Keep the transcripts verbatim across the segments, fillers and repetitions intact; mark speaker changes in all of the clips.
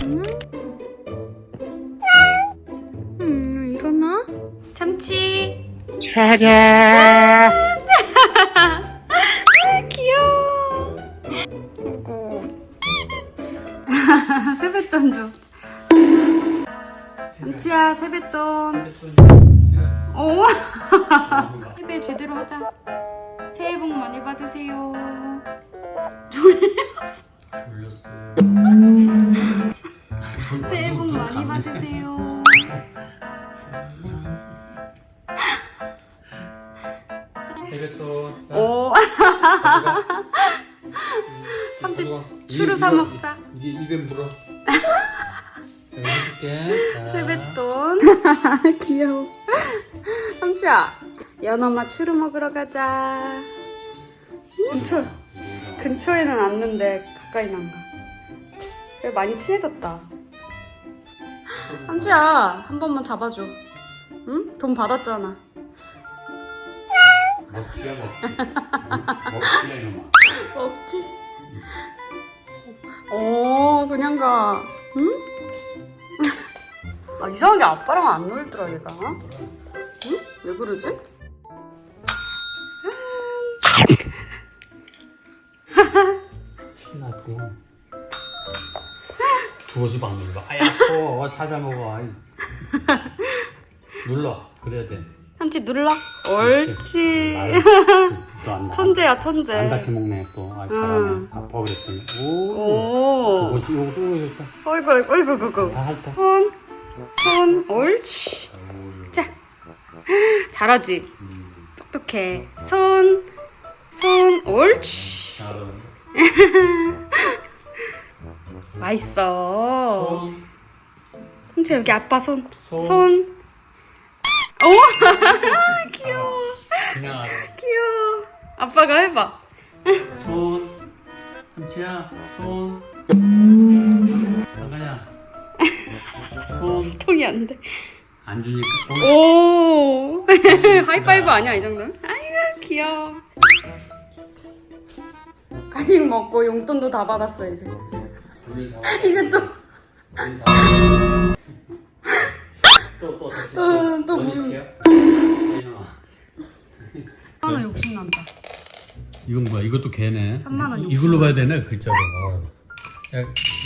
Speaker 1: 음? 음, 일어나? 참치.
Speaker 2: 차례.
Speaker 1: 아, 귀여워. 아이고. 세뱃돈 줘. 참치야, 세뱃돈. 오. 세배 제대로 하자. 새해 복 많이 받으세요. 졸렸어.
Speaker 2: 졸렸어.
Speaker 1: 새해 복 많이 받으세요.
Speaker 2: 세뱃돈.
Speaker 1: 오. 삼치 추루 사 먹자.
Speaker 2: 이게 입에 물어. 내가 해줄게.
Speaker 1: 세뱃돈. 귀여워. 삼치야, 연어맛 추루 먹으러 가자. 근처 근처에는 왔는데 가까이는 안 가. 그래, 많이 친해졌다. 삼치야, 한 번만 잡아줘. 응? 돈 받았잖아.
Speaker 2: 먹지야 먹지. 먹지야 이놈아.
Speaker 1: 없지? 오, 그냥 가. 응? 아, 이상하게 아빠랑 안 놀더라, 얘가. 응? 왜 그러지?
Speaker 2: 신나고. 두어지 막 눌러. 아야, 또 찾아 먹어. 아이. 눌러. 그래야 돼.
Speaker 1: 한치 눌러. 옳지.
Speaker 2: 안,
Speaker 1: 천재야, 천재.
Speaker 2: 안 닿게 먹네 또. 아, 잘하네.
Speaker 1: 응.
Speaker 2: 아파 그랬더니. 오.
Speaker 1: 오.
Speaker 2: 그거지, 요거 이랬다.
Speaker 1: 어이구, 어이구, 어이구, 어이구.
Speaker 2: 다 할까?
Speaker 1: 손, 손, 옳지. 자, 잘하지? 똑똑해. 손, 손, 옳지.
Speaker 2: 잘하네.
Speaker 1: 맛있어.
Speaker 2: 손.
Speaker 1: 삼치 여기 아빠 손.
Speaker 2: 손.
Speaker 1: 손. 오, 귀여워.
Speaker 2: 그냥 알아.
Speaker 1: 귀여워. 아빠가 해봐.
Speaker 2: 손. 삼치야. 손. 잠깐야. 손.
Speaker 1: 통이 안 돼.
Speaker 2: 안 주니까.
Speaker 1: 오, 하이파이브 아니야 이 정도는? 아이고 귀여워. 간식 먹고 용돈도 다 받았어 이제.
Speaker 2: 우리 다.
Speaker 1: 이제 또.
Speaker 2: 우리 다. 또, 또,
Speaker 1: 또, 또
Speaker 2: 뭐지야?
Speaker 1: 하나 욕심 난다.
Speaker 2: 이건 뭐야? 이것도 개네.
Speaker 1: 삼만 원
Speaker 2: 이걸로 봐야 되네 글자로. 어. 야,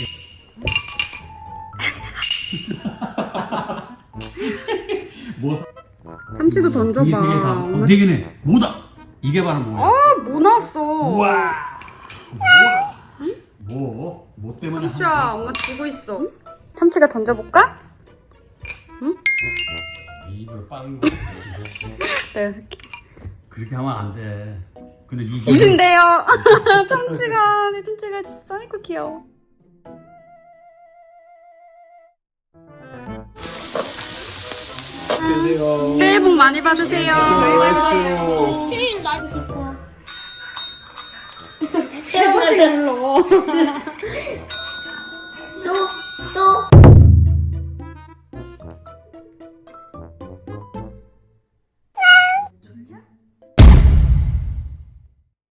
Speaker 2: 뭐?
Speaker 1: 참치도 던져봐.
Speaker 2: 이게 세개 다. 어,
Speaker 1: 엄마...
Speaker 2: 네 개네. 뭐다? 이게 바로 뭐야?
Speaker 1: 아, 뭐 났어?
Speaker 2: 우와. 뭐야? 뭐? 뭐 때문에?
Speaker 1: 참치야, 엄마 쥐고 있어. 참치가 던져볼까? 응?
Speaker 2: 입을 빠른 거.
Speaker 1: 네.
Speaker 2: 그렇게 하면 안 돼. 근데 이
Speaker 1: 이신데요. 참치가 내 참치가 됐어. 아이고 귀여워.
Speaker 2: 안녕하세요.
Speaker 1: 새해 복 많이 받으세요.
Speaker 3: 케일 나 찍고
Speaker 1: 세 번씩 눌러.